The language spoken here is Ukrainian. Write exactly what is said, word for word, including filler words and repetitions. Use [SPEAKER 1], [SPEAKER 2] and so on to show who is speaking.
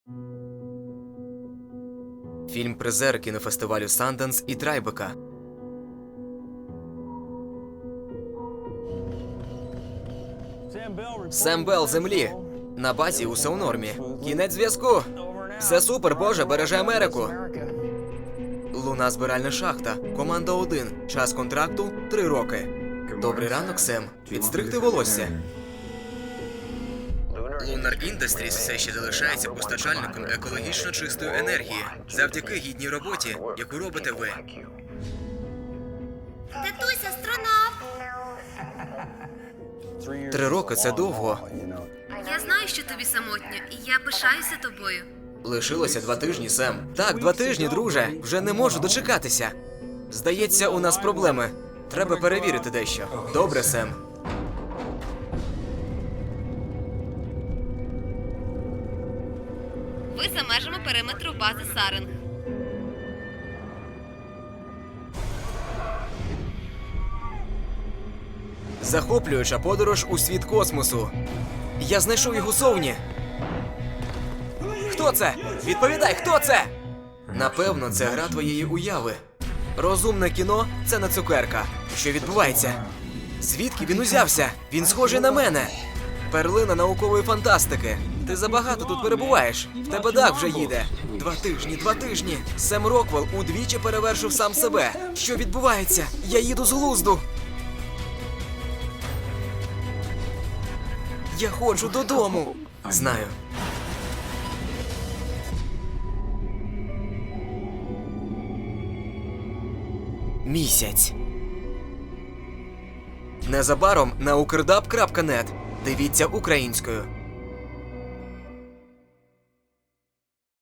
[SPEAKER 1] Фільм-призер кінофестивалю Санденс і Трайбека. Сем Белл землі. На базі усе у нормі. Кінець зв'язку. Все супер, Боже, береже Америку. Луна збиральна шахта. Команда один. Час контракту – три роки. Добрий ранок, Сем. Підстригти волосся. Lunar Industries все ще залишається постачальником екологічно чистої енергії. Завдяки гідній роботі, яку робите ви.
[SPEAKER 2] Татусь, астронавт!
[SPEAKER 1] Три роки – це довго.
[SPEAKER 2] Я знаю, що тобі самотньо, і я пишаюся тобою.
[SPEAKER 1] Лишилося два тижні, Сем. Так, два тижні, друже. Вже не можу дочекатися. Здається, у нас проблеми. Треба перевірити дещо. Добре, Сем.
[SPEAKER 2] Ви за межами периметру бази Саринг.
[SPEAKER 1] Захоплююча подорож у світ космосу. Я знайшов його зовні. Хто це? Відповідай, хто це? Напевно, це гра твоєї уяви. Розумне кіно – це не цукерка. Що відбувається? Звідки він узявся? Він схожий на мене. Перлина наукової фантастики. Ти забагато тут перебуваєш. В тебе дах вже їде. Два тижні, два тижні. Сем Роквелл удвічі перевершив сам себе. Що відбувається? Я їду з глузду. Я ходжу додому. Знаю. Місяць. Незабаром на укрдаб крапка нет. Дивіться українською.